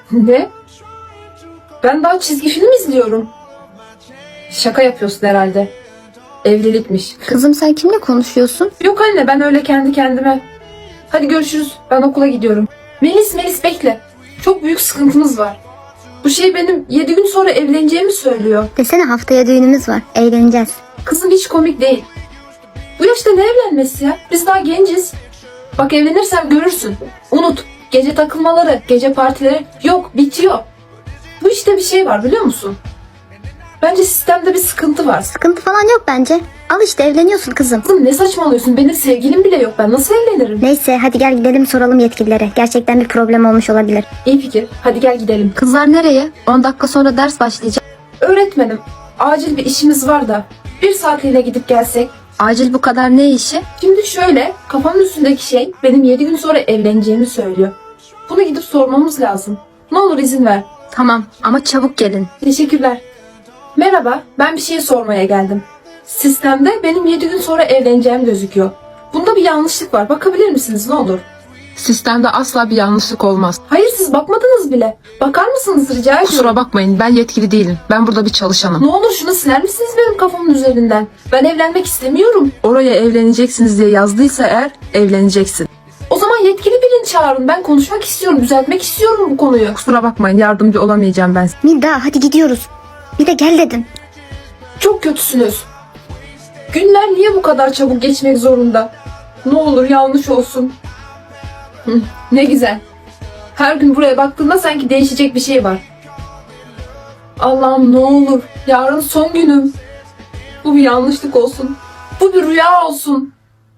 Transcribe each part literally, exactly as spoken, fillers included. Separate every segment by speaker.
Speaker 1: Ne? Ben daha çizgi film izliyorum. Şaka yapıyorsun herhalde. Evlilikmiş.
Speaker 2: Kızım sen kimle konuşuyorsun?
Speaker 1: Yok anne, ben öyle kendi kendime. Hadi görüşürüz. Ben okula gidiyorum. Melis Melis bekle. Çok büyük sıkıntımız var. Bu şey benim yedi gün sonra evleneceğimi söylüyor.
Speaker 2: Desene haftaya düğünümüz var. Eğleneceğiz.
Speaker 1: Kızım hiç komik değil. Bu yaşta ne evlenmesi ya? Biz daha genciz. Bak evlenirsem görürsün. Unut. Gece takılmaları, gece partileri yok, bitiyor. Bu işte bir şey var biliyor musun? Bence sistemde bir sıkıntı var.
Speaker 2: Sıkıntı falan yok bence. Al işte evleniyorsun kızım.
Speaker 1: Kızım ne saçmalıyorsun? Benim sevgilim bile yok. Ben nasıl evlenirim?
Speaker 2: Neyse hadi gel gidelim soralım yetkililere. Gerçekten bir problem olmuş olabilir.
Speaker 1: İyi fikir. Hadi gel gidelim.
Speaker 3: Kızlar nereye? on dakika sonra ders başlayacak.
Speaker 1: Öğretmenim, acil bir işimiz var da bir saatliğine gidip gelsek.
Speaker 3: Acil bu kadar ne işi?
Speaker 1: Şimdi şöyle, kafamın üstündeki şey benim yedi gün sonra evleneceğimi söylüyor. Bunu gidip sormamız lazım. Ne olur izin ver.
Speaker 3: Tamam ama çabuk gelin.
Speaker 1: Teşekkürler. Merhaba, ben bir şey sormaya geldim. Sistemde benim yedi gün sonra evleneceğim gözüküyor. Bunda bir yanlışlık var. Bakabilir misiniz ne olur?
Speaker 4: Sistemde asla bir yanlışlık olmaz.
Speaker 1: Hayır siz bakmadınız bile. Bakar mısınız rica ediyorum.
Speaker 4: Kusura bakmayın, ben yetkili değilim. Ben burada bir çalışanım.
Speaker 1: Ne olur şunu siler misiniz benim kafamın üzerinden? Ben evlenmek istemiyorum.
Speaker 4: Oraya evleneceksiniz diye yazdıysa eğer evleneceksin.
Speaker 1: O zaman yetkili birini çağırın. Ben konuşmak istiyorum, düzeltmek istiyorum bu konuyu.
Speaker 4: Kusura bakmayın, yardımcı olamayacağım ben.
Speaker 2: Milda hadi gidiyoruz. Bir de gel dedin.
Speaker 1: Çok kötüsünüz. Günler niye bu kadar çabuk geçmek zorunda? Ne olur yanlış olsun. Hı, ne güzel. Her gün buraya baktığımda sanki değişecek bir şey var. Allah'ım ne olur. Yarın son günüm. Bu bir yanlışlık olsun. Bu bir rüya olsun.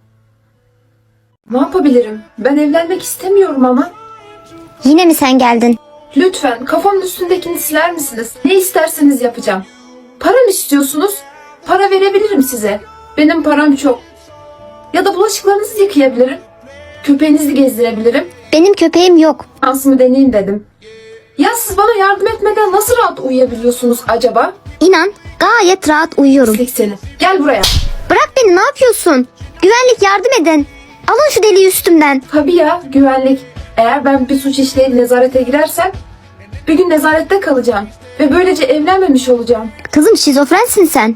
Speaker 1: Ne yapabilirim? Ben evlenmek istemiyorum ama.
Speaker 2: Yine mi sen geldin?
Speaker 1: Lütfen kafamın üstündekini siler misiniz? Ne isterseniz yapacağım. Para mı istiyorsunuz? Para verebilirim size. Benim param çok. Ya da bulaşıklarınızı yıkayabilirim. Köpeğinizi gezdirebilirim.
Speaker 2: Benim köpeğim yok.
Speaker 1: Şansımı deneyeyim dedim. Ya siz bana yardım etmeden nasıl rahat uyuyabiliyorsunuz acaba?
Speaker 2: İnan gayet rahat uyuyorum.
Speaker 1: Pislik seni. Gel buraya.
Speaker 2: Bırak beni ne yapıyorsun? Güvenlik yardım edin. Alın şu deliği üstümden.
Speaker 1: Tabii ya güvenlik. Eğer ben bir suç işleyip nezarete girersem bir gün nezarette kalacağım. Ve böylece evlenmemiş olacağım.
Speaker 2: Kızım şizofrensin sen.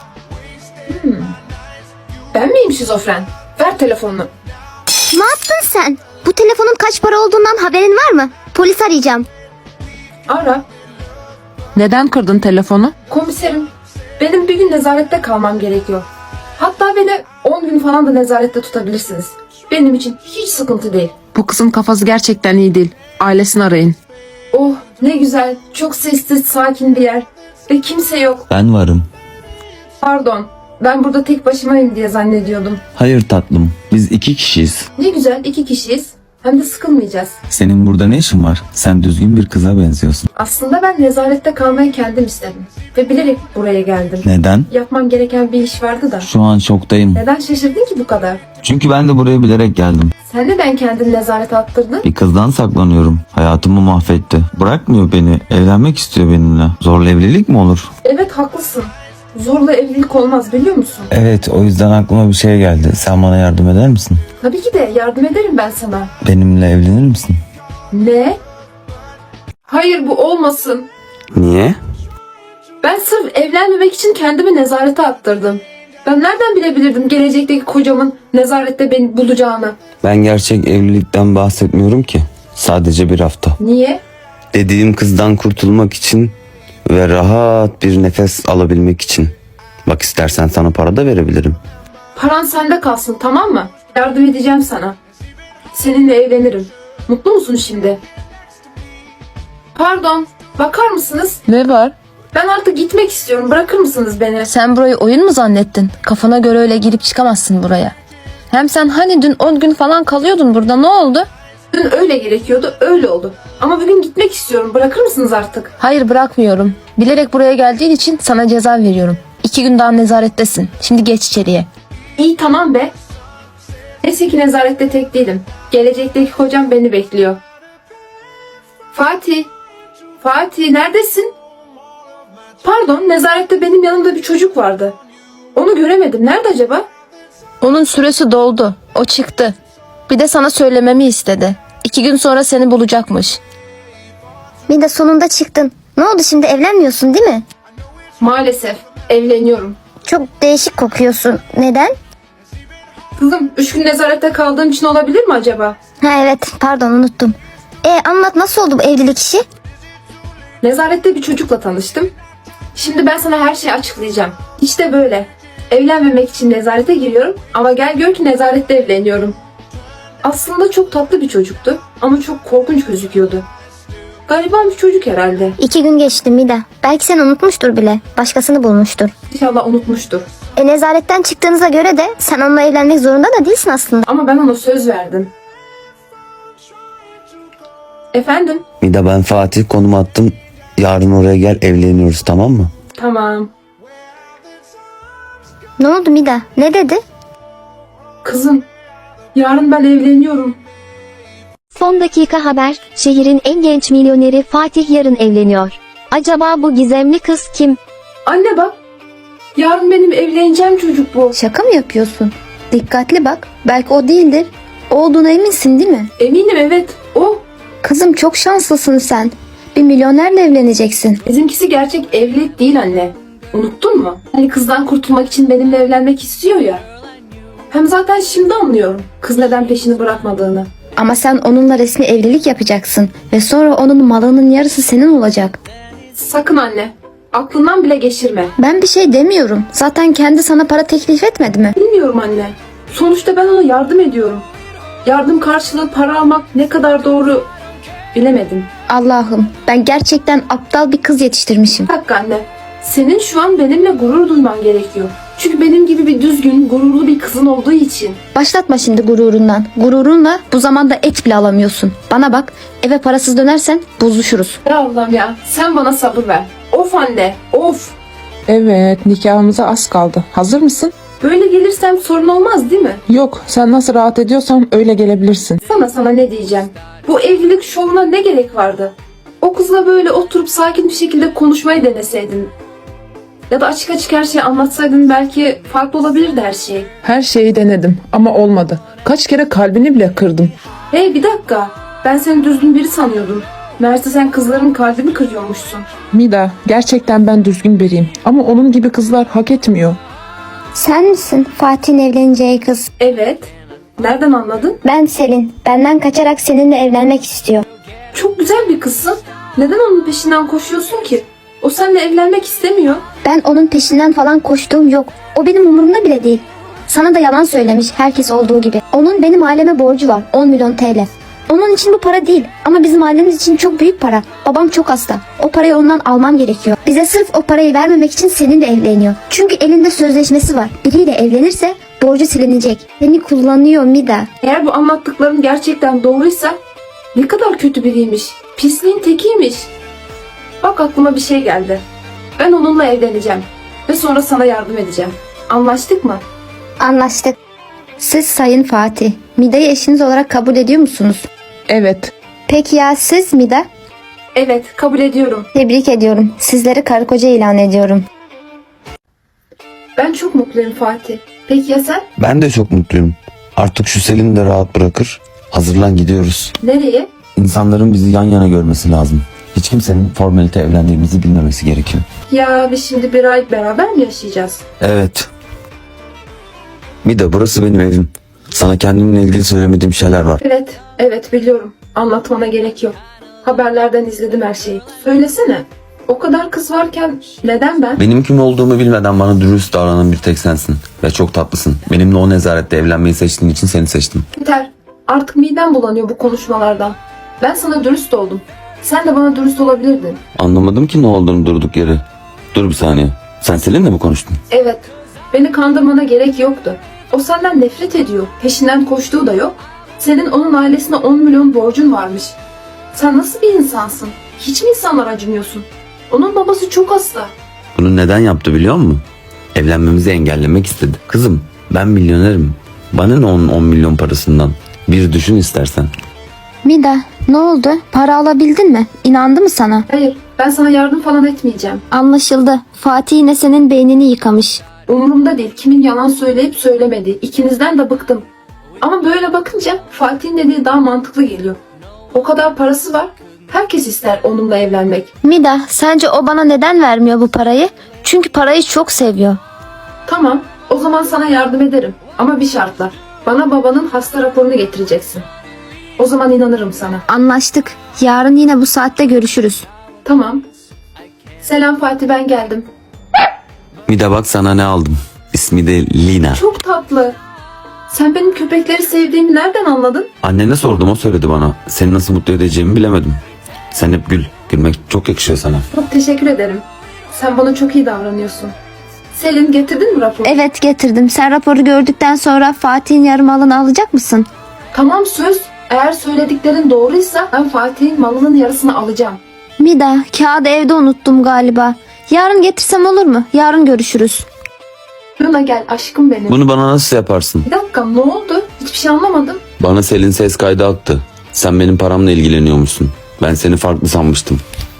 Speaker 1: Ben miyim şizofren? Ver telefonunu.
Speaker 2: Ne yaptın sen? Bu telefonun kaç para olduğundan haberin var mı? Polis arayacağım.
Speaker 1: Ara.
Speaker 4: Neden kırdın telefonu?
Speaker 1: Komiserim, benim bir gün nezarette kalmam gerekiyor. Hatta beni on gün falan da nezarette tutabilirsiniz. Benim için hiç sıkıntı değil.
Speaker 4: Bu kızın kafası gerçekten iyi değil. Ailesini arayın.
Speaker 1: Oh ne güzel, çok sessiz, sakin bir yer. Ve kimse yok.
Speaker 5: Ben varım.
Speaker 1: Pardon, ben burada tek başımayım diye zannediyordum.
Speaker 5: Hayır tatlım, biz iki kişiyiz.
Speaker 1: Ne güzel, iki kişiyiz. Hem de sıkılmayacağız.
Speaker 5: Senin burada ne işin var? Sen düzgün bir kıza benziyorsun.
Speaker 1: Aslında ben nezarette kalmayı kendim istedim. Ve bilerek buraya geldim.
Speaker 5: Neden?
Speaker 1: Yapmam gereken bir iş vardı da.
Speaker 5: Şu an şoktayım.
Speaker 1: Neden şaşırdın ki bu kadar?
Speaker 5: Çünkü ben de buraya bilerek geldim.
Speaker 1: Sen neden kendini nezarete attırdın?
Speaker 5: Bir kızdan saklanıyorum. Hayatımı mahvetti. Bırakmıyor beni. Evlenmek istiyor benimle. Zorla evlilik mi olur?
Speaker 1: Evet haklısın. Zorla evlilik olmaz biliyor musun?
Speaker 5: Evet, o yüzden aklıma bir şey geldi. Sen bana yardım eder misin?
Speaker 1: Tabii ki de yardım ederim ben sana.
Speaker 5: Benimle evlenir misin?
Speaker 1: Ne? Hayır bu olmasın.
Speaker 5: Niye?
Speaker 1: Ben sırf evlenmemek için kendimi nezarete attırdım. Ben nereden bilebilirdim gelecekteki kocamın nezarette beni bulacağını?
Speaker 5: Ben gerçek evlilikten bahsetmiyorum ki. Sadece bir hafta.
Speaker 1: Niye?
Speaker 5: Dediğim kızdan kurtulmak için ve rahat bir nefes alabilmek için. Bak istersen sana para da verebilirim.
Speaker 1: Paran sende kalsın tamam mı? Yardım edeceğim sana. Seninle evlenirim. Mutlu musun şimdi? Pardon, bakar mısınız?
Speaker 4: Ne var?
Speaker 1: Ben artık gitmek istiyorum. Bırakır mısınız beni?
Speaker 3: Sen burayı oyun mu zannettin? Kafana göre öyle girip çıkamazsın buraya. Hem sen hani dün on gün falan kalıyordun burada, ne oldu?
Speaker 1: Dün öyle gerekiyordu, öyle oldu. Ama bugün gitmek istiyorum. Bırakır mısınız artık?
Speaker 3: Hayır bırakmıyorum. Bilerek buraya geldiğin için sana ceza veriyorum. İki gün daha nezarettesin. Şimdi geç içeriye.
Speaker 1: İyi tamam be. Neyse ki nezarette tek değilim. Gelecekteki kocam beni bekliyor. Fatih. Fatih neredesin? Pardon nezarette benim yanımda bir çocuk vardı. Onu göremedim. Nerede acaba?
Speaker 3: Onun süresi doldu. O çıktı. Bir de sana söylememi istedi. İki gün sonra seni bulacakmış.
Speaker 2: Mida sonunda çıktın. Ne oldu şimdi, evlenmiyorsun değil mi?
Speaker 1: Maalesef evleniyorum.
Speaker 2: Çok değişik kokuyorsun. Neden?
Speaker 1: Kızım üç gün nezarette kaldığım için olabilir mi acaba?
Speaker 2: Ha evet, pardon unuttum. E anlat, nasıl oldu bu evlilik işi?
Speaker 1: Nezarette bir çocukla tanıştım. Şimdi ben sana her şeyi açıklayacağım. İşte böyle. Evlenmemek için nezarete giriyorum ama gel gör ki nezarette evleniyorum. Aslında çok tatlı bir çocuktu ama çok korkunç gözüküyordu. Gariban bir çocuk herhalde.
Speaker 2: İki gün geçti Mida. Belki seni unutmuştur bile. Başkasını bulmuştur.
Speaker 1: İnşallah unutmuştur.
Speaker 2: E nezaretten çıktığınıza göre de sen onunla evlenmek zorunda da değilsin aslında.
Speaker 1: Ama ben ona söz verdim. Efendim?
Speaker 5: Mida, ben Fatih, konum attım. Yarın oraya gel, evleniyoruz, tamam mı?
Speaker 1: Tamam.
Speaker 2: Ne oldu Mida? Ne dedi?
Speaker 1: Kızım, yarın ben evleniyorum.
Speaker 6: Son dakika haber, şehrin en genç milyoneri Fatih yarın evleniyor. Acaba bu gizemli kız kim?
Speaker 1: Anne bak. Yarın benim evleneceğim çocuk bu.
Speaker 3: Şaka mı yapıyorsun? Dikkatli bak. Belki o değildir. O olduğuna eminsin değil mi?
Speaker 1: Eminim evet. O.
Speaker 3: Kızım çok şanslısın sen. Bir milyonerle evleneceksin.
Speaker 1: Bizimkisi gerçek evlilik değil anne. Unuttun mu? Hani kızdan kurtulmak için benimle evlenmek istiyor ya. Hem zaten şimdi anlıyorum kız neden peşini bırakmadığını.
Speaker 3: Ama sen onunla resmi evlilik yapacaksın. Ve sonra onun malının yarısı senin olacak.
Speaker 1: Sakın anne. Aklından bile geçirme.
Speaker 3: Ben bir şey demiyorum. Zaten kendi sana para teklif etmedi mi?
Speaker 1: Bilmiyorum anne. Sonuçta ben ona yardım ediyorum. Yardım karşılığı para almak ne kadar doğru bilemedim.
Speaker 3: Allah'ım, ben gerçekten aptal bir kız yetiştirmişim.
Speaker 1: Bir dakika anne. Senin şu an benimle gurur duyman gerekiyor. Çünkü benim gibi bir düzgün, gururlu bir kızın olduğu için.
Speaker 3: Başlatma şimdi gururundan. Gururunla bu zamanda et bile alamıyorsun. Bana bak, eve parasız dönersen bozuşuruz.
Speaker 1: Ya Allah'ım ya. Sen bana sabır ver. Of anne. Of.
Speaker 7: Evet, nikahımıza az kaldı. Hazır mısın?
Speaker 1: Böyle gelirsem sorun olmaz değil mi?
Speaker 7: Yok, sen nasıl rahat ediyorsan öyle gelebilirsin.
Speaker 1: Sana sana ne diyeceğim. Bu evlilik şovuna ne gerek vardı? O kızla böyle oturup sakin bir şekilde konuşmayı deneseydin. Ya da açık açık her şeyi anlatsaydın belki farklı olabilirdi her şey.
Speaker 7: Her şeyi denedim ama olmadı. Kaç kere kalbini bile kırdım.
Speaker 1: Hey bir dakika. Ben seni düzgün biri sanıyordum. Meğerse sen kızların kalbini kırıyormuşsun.
Speaker 7: Mida, gerçekten ben düzgün biriyim ama onun gibi kızlar hak etmiyor.
Speaker 2: Sen misin Fatih'in evleneceği kız?
Speaker 1: Evet. Nereden anladın?
Speaker 2: Ben Selin. Benden kaçarak seninle evlenmek istiyor.
Speaker 1: Çok güzel bir kızsın. Neden onun peşinden koşuyorsun ki? O seninle evlenmek istemiyor.
Speaker 2: Ben onun peşinden falan koştuğum yok. O benim umurumda bile değil. Sana da yalan söylemiş, herkes olduğu gibi. Onun benim aileme borcu var, on milyon T L. Onun için bu para değil ama bizim ailemiz için çok büyük para. Babam çok hasta. O parayı ondan almam gerekiyor. Bize sırf o parayı vermemek için seninle evleniyor. Çünkü elinde sözleşmesi var. Biriyle evlenirse borcu silinecek. Seni kullanıyor Mida.
Speaker 1: Eğer bu anlattıkların gerçekten doğruysa ne kadar kötü biriymiş. Pisliğin tekiymiş. Bak aklıma bir şey geldi. Ben onunla evleneceğim. Ve sonra sana yardım edeceğim. Anlaştık mı?
Speaker 2: Anlaştık.
Speaker 3: Siz Sayın Fatih, Mida'yı eşiniz olarak kabul ediyor musunuz?
Speaker 7: Evet,
Speaker 2: Peki ya siz Mida?
Speaker 1: Evet, kabul ediyorum.
Speaker 2: Tebrik ediyorum. Sizleri karı koca ilan ediyorum.
Speaker 1: Ben çok mutluyum Fatih. Peki ya sen?
Speaker 5: Ben de çok mutluyum. Artık şu Selin'i de rahat bırakır. Hazırlan, gidiyoruz.
Speaker 1: Nereye?
Speaker 5: İnsanların bizi yan yana görmesi lazım. Hiç kimsenin formalite evlendiğimizi bilmemesi gerekiyor.
Speaker 1: Ya biz şimdi bir ay beraber mi yaşayacağız?
Speaker 5: Evet. Mida, burası benim evim. Sana kendimle ilgili söylemediğim şeyler var.
Speaker 1: Evet, evet biliyorum. Anlatmana gerek yok. Haberlerden izledim her şeyi. Söylesene. O kadar kız varken neden ben?
Speaker 5: Benim kim olduğumu bilmeden bana dürüst davranan bir tek sensin. Ve çok tatlısın. Benimle o nezarette evlenmeyi seçtiğin için seni seçtim.
Speaker 1: Yeter. Artık midem bulanıyor bu konuşmalardan. Ben sana dürüst oldum. Sen de bana dürüst olabilirdin.
Speaker 5: Anlamadım ki ne olduğunu durduk yere. Dur bir saniye. Sen Selin'le mi konuştun?
Speaker 1: Evet. Beni kandırmana gerek yoktu. O senden nefret ediyor. Peşinden koştuğu da yok. Senin onun ailesine on milyon borcun varmış. Sen nasıl bir insansın? Hiç mi insanlara acımıyorsun? Onun babası çok hasta.
Speaker 5: Bunu neden yaptı biliyor musun? Evlenmemizi engellemek istedi. Kızım, ben milyonerim. Bana ne onun on milyon parasından? Bir düşün istersen.
Speaker 3: Mida, ne oldu? Para alabildin mi? İnandı mı sana?
Speaker 1: Hayır, ben sana yardım falan etmeyeceğim.
Speaker 3: Anlaşıldı. Fatih yine senin beynini yıkamış.
Speaker 1: Umurumda değil kimin yalan söyleyip söylemediği. İkinizden de bıktım. Ama böyle bakınca Fatih'in dediği daha mantıklı geliyor. O kadar parası var. Herkes ister onunla evlenmek.
Speaker 3: Mida, sence o bana neden vermiyor bu parayı? Çünkü parayı çok seviyor.
Speaker 1: Tamam, o zaman sana yardım ederim. Ama bir şartla. Bana babanın hasta raporunu getireceksin. O zaman inanırım sana.
Speaker 2: Anlaştık. Yarın yine bu saatte görüşürüz.
Speaker 1: Tamam. Selam Fatih, ben geldim.
Speaker 5: Bir de bak sana ne aldım. İsmi de Lina.
Speaker 1: Çok tatlı. Sen benim köpekleri sevdiğimi nereden anladın?
Speaker 5: Annene sordum, o söyledi bana. Seni nasıl mutlu edeceğimi bilemedim. Sen hep gül. Gülmek çok yakışıyor sana.
Speaker 1: Çok teşekkür ederim. Sen bana çok iyi davranıyorsun. Selin, getirdin mi raporu?
Speaker 2: Evet, getirdim. Sen raporu gördükten sonra Fatih'in yarım malını alacak mısın?
Speaker 1: Tamam, söz. Eğer söylediklerin doğruysa ben Fatih'in malının yarısını alacağım.
Speaker 2: Mida, kağıdı evde unuttum galiba. Yarın getirsem olur mu? Yarın görüşürüz.
Speaker 1: Luna gel aşkım benim.
Speaker 5: Bunu bana nasıl yaparsın?
Speaker 1: Bir dakika, ne oldu? Hiçbir şey anlamadım.
Speaker 5: Bana Selin ses kaydı attı. Sen benim paramla ilgileniyormuşsun. Ben seni farklı sanmıştım.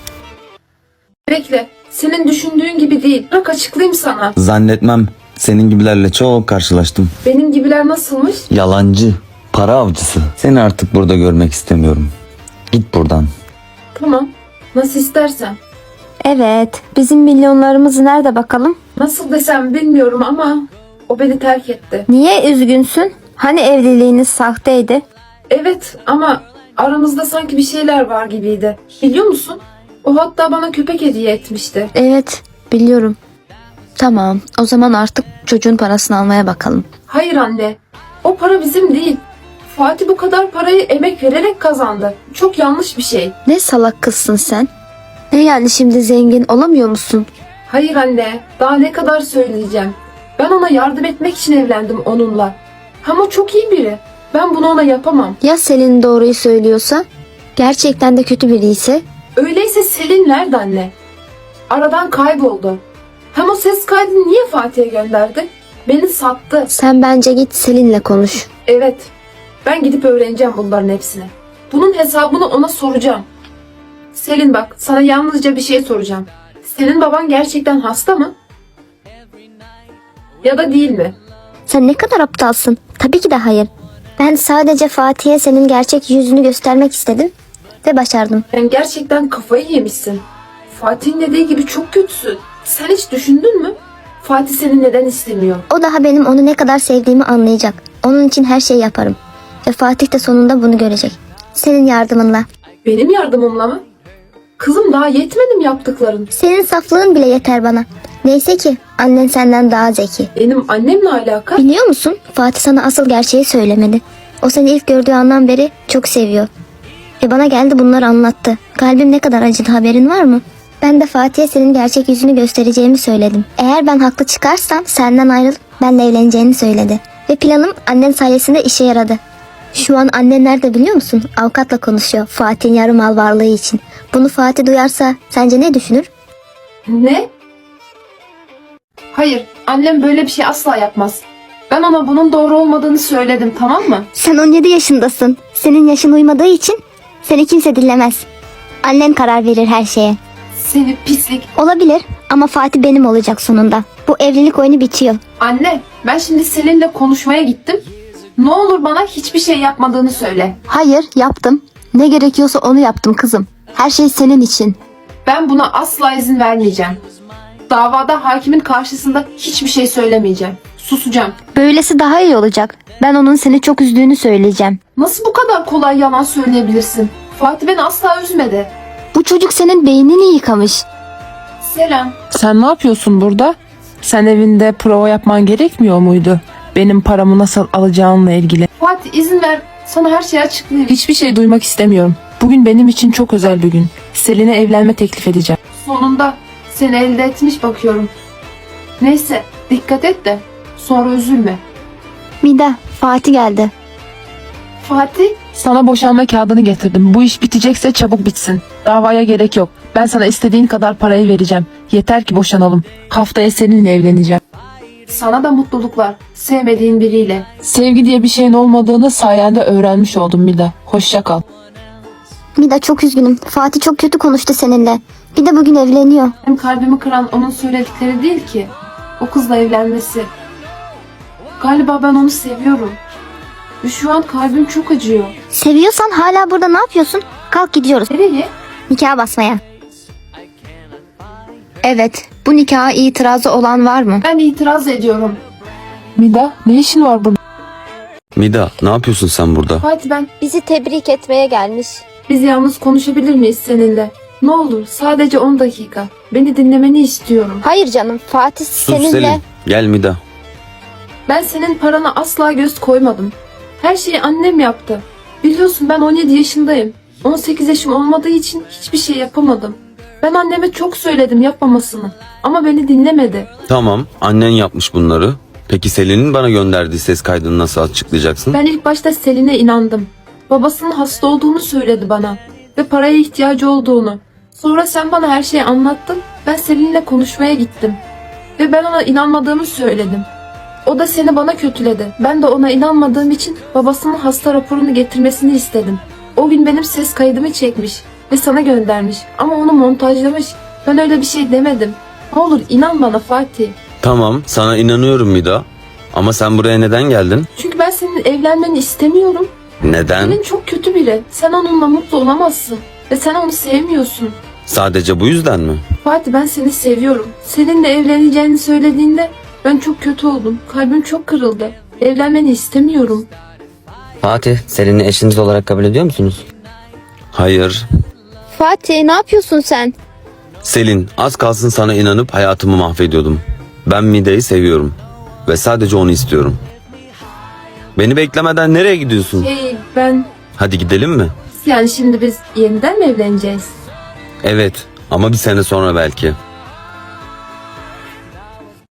Speaker 1: Bekle. Senin düşündüğün gibi değil. Bırak açıklayayım sana.
Speaker 5: Zannetmem. Senin gibilerle çok karşılaştım.
Speaker 1: Benim gibiler nasılmış?
Speaker 5: Yalancı, para avcısı. Seni artık burada görmek istemiyorum. Git buradan.
Speaker 1: Tamam. Nasıl istersen.
Speaker 2: Evet, bizim milyonlarımız nerede bakalım?
Speaker 1: Nasıl desem bilmiyorum ama o beni terk etti.
Speaker 2: Niye üzgünsün? Hani evliliğiniz sahteydi?
Speaker 1: Evet ama aramızda sanki bir şeyler var gibiydi. Biliyor musun? O hatta bana köpek hediye etmişti.
Speaker 2: Evet, biliyorum. Tamam, o zaman artık çocuğun parasını almaya bakalım.
Speaker 1: Hayır anne. O para bizim değil. Fatih bu kadar parayı emek vererek kazandı. Çok yanlış bir şey.
Speaker 2: Ne salak kızsın sen? Ne yani, şimdi zengin olamıyor musun?
Speaker 1: Hayır anne. Daha ne kadar söyleyeceğim. Ben ona yardım etmek için evlendim onunla. Ama o çok iyi biri. Ben bunu ona yapamam.
Speaker 2: Ya Selin doğruyu söylüyorsa? Gerçekten de kötü biri ise?
Speaker 1: Öyleyse Selin nerede anne? Aradan kayboldu. Hem o ses kaydını niye Fatih'e gönderdi? Beni sattı.
Speaker 2: Sen bence git Selin'le konuş.
Speaker 1: Evet. Ben gidip öğreneceğim bunların hepsini. Bunun hesabını ona soracağım. Selin bak, sana yalnızca bir şey soracağım. Senin baban gerçekten hasta mı? Ya da değil mi?
Speaker 2: Sen ne kadar aptalsın. Tabii ki de hayır. Ben sadece Fatih'e senin gerçek yüzünü göstermek istedim ve başardım.
Speaker 1: Sen gerçekten kafayı yemişsin. Fatih'in dediği gibi çok kötüsün. Sen hiç düşündün mü? Fatih seni neden istemiyor?
Speaker 2: O daha benim onu ne kadar sevdiğimi anlayacak. Onun için her şeyi yaparım. Ve Fatih de sonunda bunu görecek. Senin yardımınla.
Speaker 1: Benim yardımımla mı? Kızım, daha yetmedi mi yaptıkların?
Speaker 2: Senin saflığın bile yeter bana. Neyse ki annen senden daha zeki.
Speaker 1: Benim annemle alaka?
Speaker 2: Biliyor musun? Fatih sana asıl gerçeği söylemedi. O seni ilk gördüğü andan beri çok seviyor. Ve bana geldi bunları anlattı. Kalbim ne kadar acıdı, haberin var mı? Ben de Fatih'e senin gerçek yüzünü göstereceğimi söyledim. Eğer ben haklı çıkarsam senden ayrılıp benimle evleneceğini söyledi. Ve planım annen sayesinde işe yaradı. Şu an annen nerede biliyor musun? Avukatla konuşuyor Fatih'in yarım mal varlığı için. Bunu Fatih duyarsa sence ne düşünür?
Speaker 1: Ne? Hayır, annem böyle bir şey asla yapmaz. Ben ona bunun doğru olmadığını söyledim, tamam mı?
Speaker 2: Sen on yedi yaşındasın. Senin yaşın uymadığı için seni kimse dinlemez. Annen karar verir her şeye.
Speaker 1: Seni pislik.
Speaker 2: Olabilir ama Fatih benim olacak sonunda. Bu evlilik oyunu bitiyor.
Speaker 1: Anne, ben şimdi seninle konuşmaya gittim. Ne olur bana hiçbir şey yapmadığını söyle.
Speaker 2: Hayır, yaptım. Ne gerekiyorsa onu yaptım kızım. Her şey senin için.
Speaker 1: Ben buna asla izin vermeyeceğim. Davada hakimin karşısında hiçbir şey söylemeyeceğim. Susacağım.
Speaker 2: Böylesi daha iyi olacak. Ben onun seni çok üzdüğünü söyleyeceğim.
Speaker 1: Nasıl bu kadar kolay yalan söyleyebilirsin? Fatih beni asla üzmedi.
Speaker 2: Bu çocuk senin beynini yıkamış.
Speaker 1: Selam.
Speaker 7: Sen ne yapıyorsun burada? Sen evinde prova yapman gerekmiyor muydu? Benim paramı nasıl alacağınla ilgili.
Speaker 1: Fatih, izin ver. Sana her şeyi açıklayayım.
Speaker 7: Hiçbir şey duymak istemiyorum. Bugün benim için çok özel bir gün. Selin'e evlenme teklif edeceğim.
Speaker 1: Sonunda seni elde etmiş bakıyorum. Neyse, dikkat et de sonra üzülme.
Speaker 2: Mida, Fatih geldi.
Speaker 1: Fatih,
Speaker 7: Sana boşanma kağıdını getirdim. Bu iş bitecekse çabuk bitsin. Davaya gerek yok. Ben sana istediğin kadar parayı vereceğim. Yeter ki boşanalım. Haftaya seninle evleneceğim.
Speaker 1: sana da mutluluklar. Sevmediğin biriyle.
Speaker 7: Sevgi diye bir şeyin olmadığını sayende öğrenmiş oldum Mida. Hoşça kal.
Speaker 2: Mida, çok üzgünüm. Fatih çok kötü konuştu seninle. Bir de bugün evleniyor.
Speaker 1: Benim kalbimi kıran onun söyledikleri değil ki. O kızla evlenmesi. Galiba ben onu seviyorum. Ve şu an kalbim çok acıyor.
Speaker 2: Seviyorsan hala burada ne yapıyorsun? Kalk gidiyoruz.
Speaker 1: Nereye?
Speaker 2: Nikah basmaya. Evet, bu nikaha itirazı olan var mı?
Speaker 1: Ben itiraz ediyorum.
Speaker 7: Mida, ne işin var burada?
Speaker 5: Mida, ne yapıyorsun sen burada?
Speaker 1: Fatih, ben
Speaker 2: Bizi tebrik etmeye gelmiş.
Speaker 1: biz yalnız konuşabilir miyiz seninle? Ne olur sadece on dakika. Beni dinlemeni istiyorum.
Speaker 2: Hayır canım, Fatih
Speaker 5: Sus
Speaker 2: seninle...
Speaker 5: Selin. Gel Mida.
Speaker 1: Ben senin parana asla göz koymadım. Her şeyi annem yaptı. Biliyorsun ben on yedi yaşındayım. on sekiz yaşım olmadığı için hiçbir şey yapamadım. Ben anneme çok söyledim yapmamasını. Ama beni dinlemedi.
Speaker 5: Tamam, annen yapmış bunları. Peki Selin'in bana gönderdiği ses kaydını nasıl açıklayacaksın?
Speaker 1: Ben ilk başta Selin'e inandım. Babasının hasta olduğunu söyledi bana. Ve paraya ihtiyacı olduğunu. Sonra sen bana her şeyi anlattın. Ben Selin'le konuşmaya gittim. Ve ben ona inanmadığımı söyledim. O da seni bana kötüledi. Ben de ona inanmadığım için babasının hasta raporunu getirmesini istedim. O gün benim ses kaydımı çekmiş ve sana göndermiş. Ama onu montajlamış. Ben öyle bir şey demedim. Ne olur inan bana Fatih.
Speaker 5: Tamam, sana inanıyorum Mida. Ama sen buraya neden geldin?
Speaker 1: Çünkü ben senin evlenmeni istemiyorum.
Speaker 5: Neden?
Speaker 1: Selin çok kötü biri. Sen onunla mutlu olamazsın. Ve sen onu sevmiyorsun.
Speaker 5: Sadece bu yüzden mi?
Speaker 1: Fatih, ben seni seviyorum. Seninle evleneceğini söylediğinde ben çok kötü oldum. Kalbim çok kırıldı. Evlenmeni istemiyorum.
Speaker 8: Fatih, Selin'i eşiniz olarak kabul ediyor musunuz?
Speaker 5: Hayır.
Speaker 2: Fatih, ne yapıyorsun sen?
Speaker 5: Selin, az kalsın sana inanıp hayatımı mahvediyordum. Ben Mida'yı seviyorum. Ve sadece onu istiyorum. Beni beklemeden nereye gidiyorsun?
Speaker 1: Şey, ben...
Speaker 5: Hadi gidelim mi?
Speaker 1: Yani şimdi biz yeniden mi evleneceğiz?
Speaker 5: Evet, ama bir sene sonra belki.